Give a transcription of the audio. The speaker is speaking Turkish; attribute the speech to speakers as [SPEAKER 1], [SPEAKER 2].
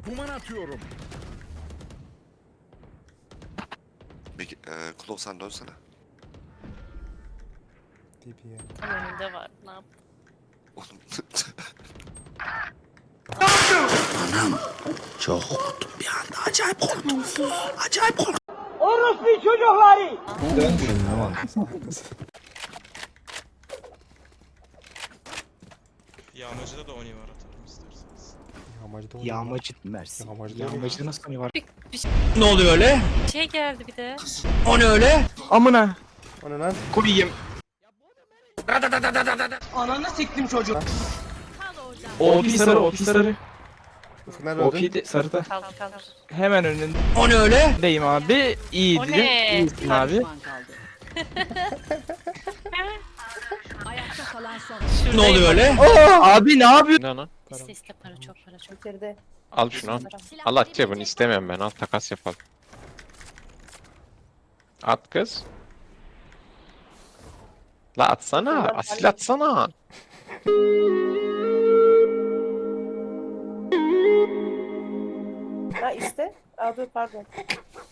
[SPEAKER 1] Duman atıyorum.
[SPEAKER 2] Bir Klov sen dönsene.
[SPEAKER 3] TP'ye.
[SPEAKER 4] Tam önünde var. Ne yap?
[SPEAKER 2] Oğlum.
[SPEAKER 5] Çok korktum bir anda. Acayip korktum. Acayip korktum.
[SPEAKER 6] Yağmacıda da Oni var atarım isterseniz.
[SPEAKER 3] Yağmacıda oynuyor.
[SPEAKER 5] Yağmacı Mersin.
[SPEAKER 3] Yağmacıda
[SPEAKER 5] Yağmacıda nasıl Oni var?
[SPEAKER 4] Bir
[SPEAKER 5] Ne oluyor öyle?
[SPEAKER 4] şey geldi bir de.
[SPEAKER 5] O ne öyle? Amına.
[SPEAKER 3] O ne lan?
[SPEAKER 5] Koyayım.
[SPEAKER 7] OP sarı, OP sarı.
[SPEAKER 3] Ufuk nerede öldün?
[SPEAKER 7] OP de sarıda.
[SPEAKER 4] Kaldır kaldır.
[SPEAKER 7] Hemen önündeyim
[SPEAKER 5] O ne öyle?
[SPEAKER 7] abi.
[SPEAKER 4] O
[SPEAKER 7] İyiydi.
[SPEAKER 4] ne?
[SPEAKER 7] İyisin abi.
[SPEAKER 5] Ne oluyor öyle?
[SPEAKER 7] Abi ne yapıyorsun?
[SPEAKER 8] Ne lan?
[SPEAKER 4] İste iste para çok para çok.
[SPEAKER 8] Al şunu. Al at cebini istemiyorum ben. Al takas yapalım. At kız. La atsana. Asil atsana.
[SPEAKER 9] Ha iste. Aa dur pardon.